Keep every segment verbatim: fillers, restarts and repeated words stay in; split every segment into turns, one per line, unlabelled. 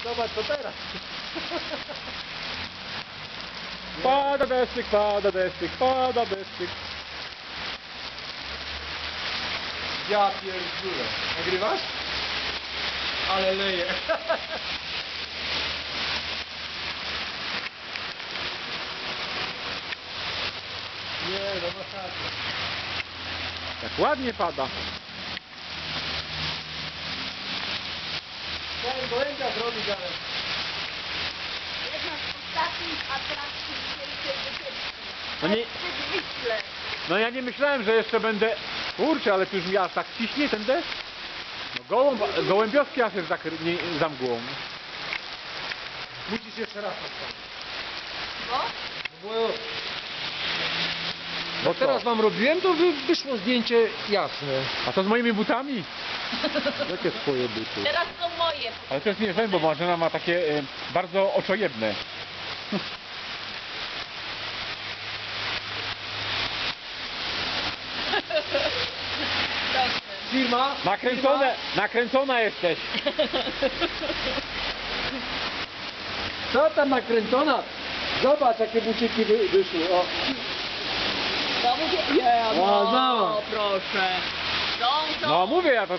zobacz co teraz.
Pada deszczyk, pada deszczyk, pada deszczyk.
Ja pierdolę. Nagrywasz? Ale leje. Nie, no masakra.
Jak ładnie pada.
Chciałem gołębia zrobić, ale...
Jedna z ostatnich atrakcji dzisiejszej wycieczki.
No nie-
Przedwyśle.
No ja nie myślałem, że jeszcze będę... Kurczę, ale tu już mi aż tak ciśnie ten deszcz. No gołąb, gołębiowski aż jest tak nie, za mgłą.
Musisz jeszcze raz postawić.
Bo?
Bo
Bo
teraz
co?
wam robiłem, to wy, wyszło zdjęcie jasne.
A co z moimi butami? Jakie swoje buty?
Teraz są moje.
Ale to jest nie bo Marzena ma takie e, bardzo oczojebne.
Dobrze.
Firma?
Nakręcone, nakręcona jesteś.
Co tam nakręcona? Zobacz jakie buciki wy, wyszły. O.
To mówię. Nie,
O,
no,
zobacz.
proszę. Są, są.
No mówię ja to...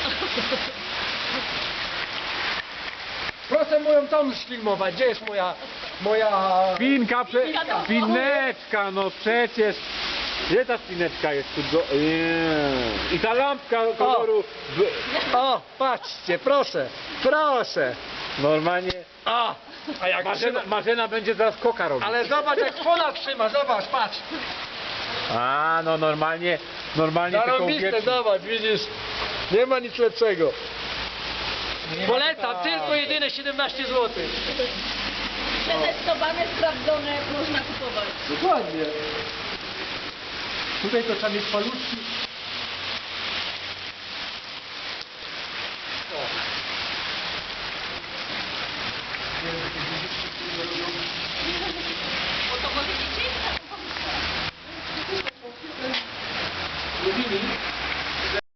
Proszę moją tą sfilmować. Gdzie jest moja... moja...
Spinka, prze...
Spinka do
spineczka, no przecież. Gdzie ta spineczka jest tu? Do... Nie. I ta lampka koloru... w-
O, patrzcie, proszę, proszę.
Normalnie...
A, a jak
Marzena,
trzyma...
Marzena będzie zaraz koka robić.
Ale zobacz jak fona trzyma, zobacz, patrz.
A, no normalnie... Normalnie taką
Zarąbiste,
wieczną-
zobacz, widzisz. Nie ma nic lepszego. Polecam, tylko jedyne siedemnaście złotych.
Przetestowane, sprawdzone, można kupować.
Dokładnie. Tutaj to trzeba mieć paluszki